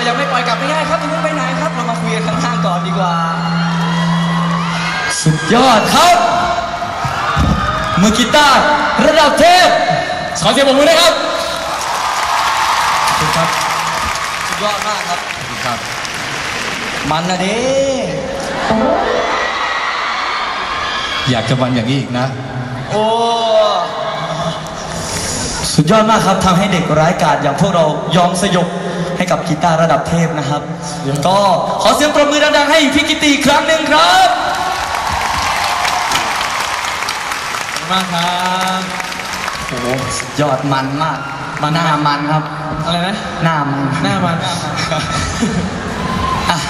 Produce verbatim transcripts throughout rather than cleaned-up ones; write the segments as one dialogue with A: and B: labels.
A: จะไม่ปล่อยกลับไม่ได้ครับจะไม่ไปไหนครับเรามาคุยกันข้างๆก่อนดีกว่า
B: สุดยอดครับมือกีตาร์ระดับเทพขอเสียงปรบมือด้วยครับขอบคุณครับ
A: สุดยอดมากครับ
B: ขอบคุณครับ
A: มันนะเด้
B: อยากจะมันอย่างนี้อีกนะ
A: โอ้
B: สุดยอดมากครับทำให้เด็กร้ายกาจอย่างพวกเรายอมสยบให้กับกีตาร์ระดับเทพนะครับก็ขอเสียงปรบมือดังๆให้พี่กิตติอีกครั้งหนึ่งครับมากครับโอ้โหสุดยอดมันมากมาหน้ามันครับ
A: อะไรนะ
B: หน้ามัน
A: หน้ามัน
B: อ่ะ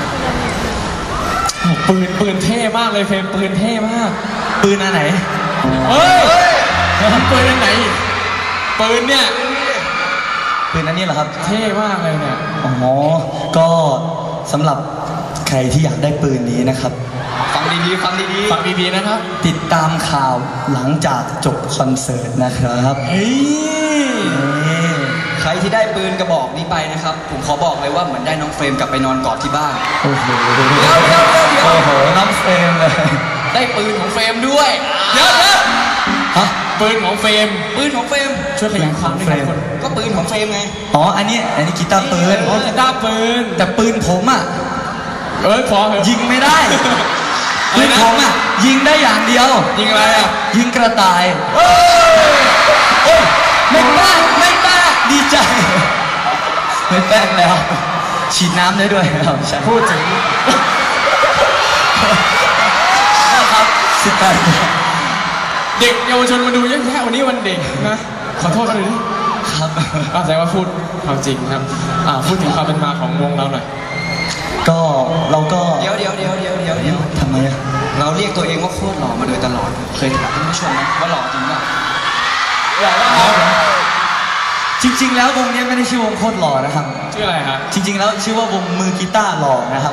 A: ปืนปืนเท่มากเลยเฟรมปืนเท่มาก
B: ปืนอันไหน
A: เฮ้ยปืนอันไหนปืนเนี่ย
B: ปืนอันนี้เหรอครับ
A: เท่มากเลยเนี่ย
B: อ๋อก็สำหรับใครที่อยากได้ปืนนี้นะครับ
A: ฟังดีๆฟังดีๆฟังดีๆนะครับ
B: ติดตามข่าวหลังจากจบคอนเสิร์ตนะครับ
A: เฮ้ยใครที่ได้ปืนกระบอกนี้ไปนะครับผมขอบอกเลยว่าเหมือนได้น้องเฟรมกลับไปนอนกอดที่บ้าน
B: โอ้โหเดี๋ยวเดี๋ยวเดี๋ยวโอ้โหน้องเฟรมเลย
A: ได้ปืนของเฟรมด้วยเดี๋ยวเดี๋ยว
B: ฮะ
A: ปืนของเฟรมปืนของเฟรมช่วยขยายความด้วยครับก็ปืนของเฟรมไง
B: อ๋ออันนี้อันนี้กีตาร์ปืน
A: อ๋อกีตาร์ปืน
B: แต่ปืนผมอ่ะ
A: เอ้ยพอ
B: ยิงไม่ได้ปืนผมอ่ะยิงได้อย่างเดียว
A: ยิงอะไรอ่ะ
B: ยิงกระต่ายโอ้ยไม่แป้งไม่แป้งดีใจไม่แป้งแล้วฉีดน้ำได้ด้วยครับ
A: พูดถึง
B: ครับสิบแปด
A: เด็กเยาวชนมาดูเยอะแยะวันนี้วันเด็กนะขอโทษเลย
B: ครับ
A: ก็แสดงว่าพูดความจริงครับอ่าพูดถึงความเป็นมาของวงเราหน่อย
B: ก็เราก็
A: เดี๋ยวเดี๋ยวเดี๋ยวเดี๋ยวเดี๋ยวเดี๋ยว
B: ทำไม
A: เราเรียกตัวเองว่าโคตรหล่อมาโดยตลอดเคยถามท่านผู้ชมไหมว่าหล่อจริงป่ะหล่อแล้วครับ
B: จริงๆแล้ววงนี้ไม่ได้ชื่อวงโคตรหล่อนะครับ
A: ชื่ออะไรครับ
B: จริงๆแล้วชื่อว่าวงมือกีตาร์หล่อนะครับ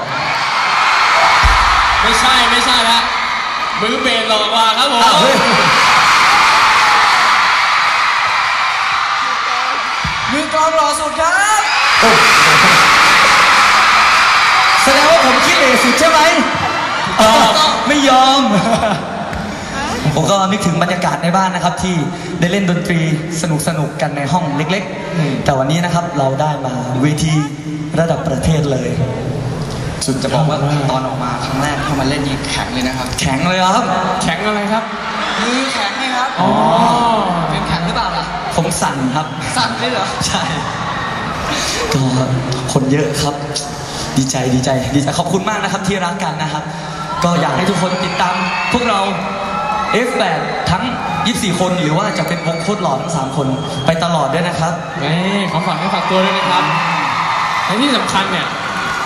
A: ไม่ใช่ไม่ใช่ละมือเบสหล่อกว่าครับผมมือกลองหล่อสุดครับ
B: แสดงว่าผมคิดเองสุดใช่ไหมไม่ยอมผมก็นึกถึงบรรยากาศในบ้านนะครับที่ได้เล่นดนตรีสนุกสนุกกันในห้องเล็กๆแต่วันนี้นะครับเราได้มาเวทีระดับประเทศเลย
A: สุดจะบอกว่าตอนออกมาครั้งแรกที่มาเล่นยิงแข็งเลยนะครับ
B: แข็งเลยครับ
A: แข็งอะไรครับมือแข็งไหมครับ
B: อ๋อ
A: เป็นแข็งหรือเปล่าล่ะ
B: ผมสั่นครับ
A: สั่นเลยเหรอ
B: ใช่ก็คนเยอะครับดีใจดีใจดีใจขอบคุณมากนะครับที่รักกันนะครับก็อยากให้ทุกคนติดตามพวกเรา เอฟ แปด ทั้งยี่สิบสี่คนหรือว่าจะเป็นวงโคตรหล่อทั้งสามคนไปตลอดด้วยนะครับ
A: นี่ขอฝากให้ฝากตัวด้วยนะครับและที่สำคัญเนี่ย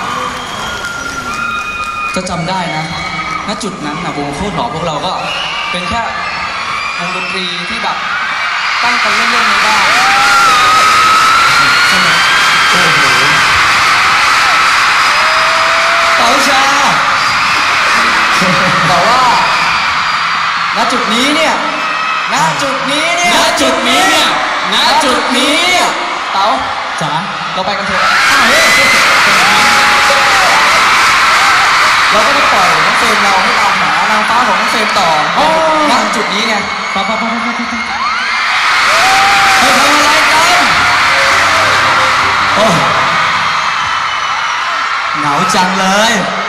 A: ก็จำได้นะณจุดนั้นนะวงโคตรหล่อพวกเราก็เป็นแค่วงดนตรีที่แบบตั้งใจเล่นๆในบ้าน
B: โอ้โหเต๋าชา
A: แต่ว่าณจุดนี้เนี่ยณจุดนี้เนี่ยณจุดนี้เนี่ยณจุดนี้เนี่ยเต๋าจ๋าเราไปกันเถอะเราก็ไม่ปล่อยน้องเฟรมเราให้ตามหานางฟ้าของน้องเฟรมต่อณจุดนี้ไงไปไปไปไปไปไปไปทำอะไรกัน
B: โอ้เหงาจังเลย